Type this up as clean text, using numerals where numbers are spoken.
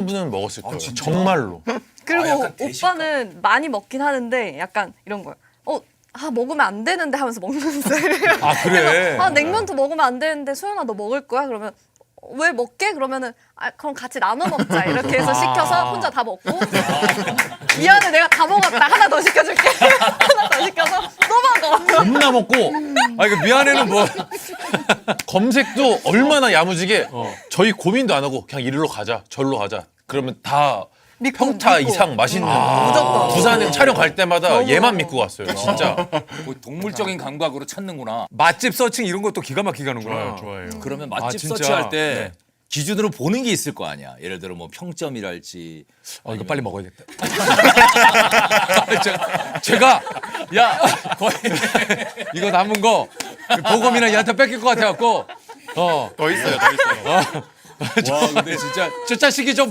분은 먹었을 거예요. 정말로. 그리고 약간 대식가. 오빠는 많이 먹긴 하는데 약간 이런 거요. 먹으면 안 되는데 하면서 먹는 스타일이에요. 아, 그래? 그래서 냉면도 먹으면 안 되는데 소연아 너 먹을 거야? 그러면 왜 먹게? 그러면은 그럼 같이 나눠 먹자 이렇게 해서 시켜서 혼자 다 먹고 미안해 내가 다 먹었다 하나 더 시켜줄게 하나 더 시켜서 또 먹어. 겁나 먹고 그 미안해는 뭐. 검색도 얼마나 야무지게 저희 고민도 안 하고 그냥 이리로 가자 절로 가자 그러면 다 평타 믿고. 이상 맛있는 무조건. 부산에 촬영 갈 때마다 얘만 믿고 갔어요 진짜. 뭐 동물적인 감각으로 찾는구나. 맛집 서칭 이런 것도 기가 막히게 하는구나. 좋아해요. 그러면 아, 맛집 진짜? 서치할 때 네. 기준으로 보는 게 있을 거 아니야. 예를 들어 뭐 평점이랄지. 이거 빨리 먹어야겠다. 제가 야 거의 이거 남은 거 보검이나 얘한테 뺏길 것 같아갖고 더 있어요 더 있어요. 와 근데 진짜 저 자식이 좀